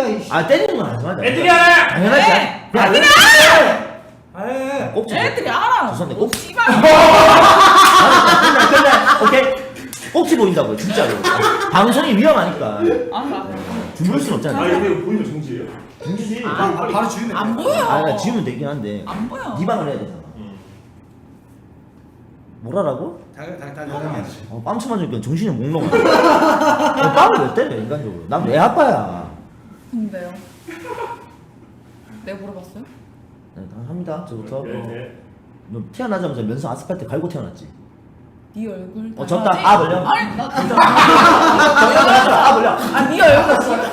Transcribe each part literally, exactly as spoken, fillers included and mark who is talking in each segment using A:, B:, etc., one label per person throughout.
A: 애들이야 이씨.
B: 아 때리는 건 아니지 맞아.
C: 애들이 알아!
B: 당연하지.
D: 애들이
C: 아,
B: 꼭지.
D: 애들이 알아.
B: 죄송한데
D: 오,
B: 꼭.
D: 씨발.
B: 끝날 끝날 오케이. 꼭지 보인다고요 진짜로. 방송이 위험하니까.
D: 알아.
B: 주물 순
C: 아
B: 없잖아.
C: 이거 보이면 정지예요?
B: 정지지.
D: 아,
A: 바로, 바로 죽이면
D: 안
A: 돼.
D: 보여.
B: 아 지우면 되긴 한데.
D: 안 보여.
B: 네 방을 해야 되잖아.
C: 응.
B: 뭐라라고?
A: 당연 당연 당연하지.
B: 어, 빵 쳐맞으니까 정신이 몽롱. 어, 빵을 왜 때려 인간적으로? 난 내 아빠야.
D: 근데요. 내가 물어봤어요?
B: 네, 합니다. 저부터.
C: 네, 네.
B: 너 태어나자마자 면성 아스팔트 갈고 태어났지.
D: 네 얼굴.
B: 어, 졌다.
D: 당연하지?
B: 아, 걸려?
D: 아니 나 진짜.
B: 아 몰라.
D: 아네 얼굴 졌어.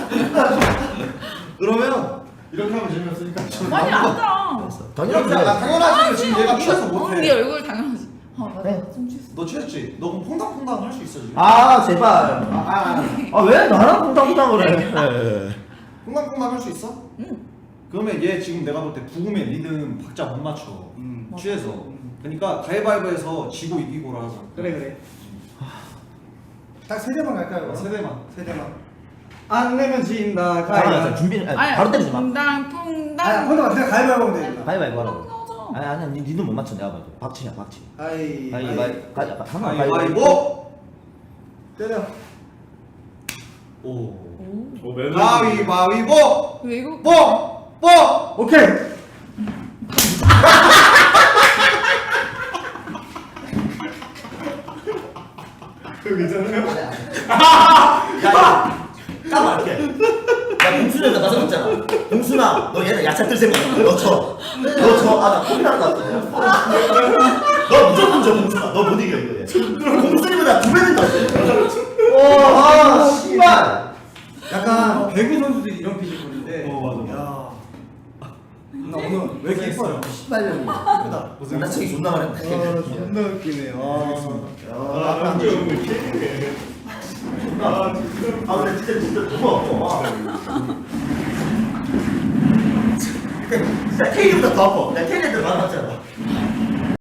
A: 그러면 이렇게 하면 재미없으니까.
D: 아니 아니라.
B: 당연하지.
A: 아, 당연하지. 지금 얘가 취해서
D: 어,
A: 못해.
D: 네 얼굴 당연하지. 아 맞아.
B: 네.
D: 좀 취했어.
A: 너 취했지? 너 그럼 퐁당퐁당 할 수 있어 지금.
B: 아 제발. 아 왜 나랑 콩당콩당을 해?
A: 퐁당퐁당 할 수 있어?
D: 응.
A: 그러면 얘 지금 내가 볼 때 부금의 리듬 박자 못 맞춰.
E: 음.
A: 취해서.
E: 음.
A: 그러니까 가위바위보에서 지고 이기고라 하자.
E: 그래 그래. 딱 세 대만 갈까요?
A: 세 대만.
E: 세 대만. 안 내면 진다.
B: 아,
E: 가위.
B: 준비는 아니, 바로 때리지 마.
D: 퐁당 퐁당.
E: 아, 혼자 그냥 가위바위보 하면 되겠다.
B: 가위바위보 하라고.
D: 나오죠.
B: 아니 아니 니 니는 못 맞춰 내가 봐도. 박치냐 박치.
E: 가위.
B: 가위바위 가 한번
A: 가위바위보.
E: 때려.
A: 오.
D: 오.
C: 어, 매너.
A: 가위바위보.
D: 왜 이거?
A: 뽀! 뽀!
E: 오케이.
C: 그거 괜찮아요?
B: 야, 까맣게. 야, 봉순이가 나서 줬잖아. 봉순아, 너 얘는 야채 뜰 생각. 너 쳐. 너 쳐. 아, 나 콩이랑 났어. 너 무조건 져, 봉순아. 너 못 이겨, 이거. 얘. 봉순이보다 두 배는 더 세. 와, 아, 씨발.
E: 약간 배구 선수들이 이런 피지컬인데.
C: 어, 맞아, 맞아.
E: 야. 나 오늘 왜 이렇게 이뻐요?
B: 씨발년이.
E: 이쁘다.
B: 나 저기 존나 많이
E: 아, 존나 웃기네. 아,
C: 아,
E: 야.
C: 남자 오늘 케이크네. 아, 진짜.
B: 아, 근데 진짜, 진짜 너무 아파. 진짜 테일보다 더 아파. 내가 테일한테 많았잖아.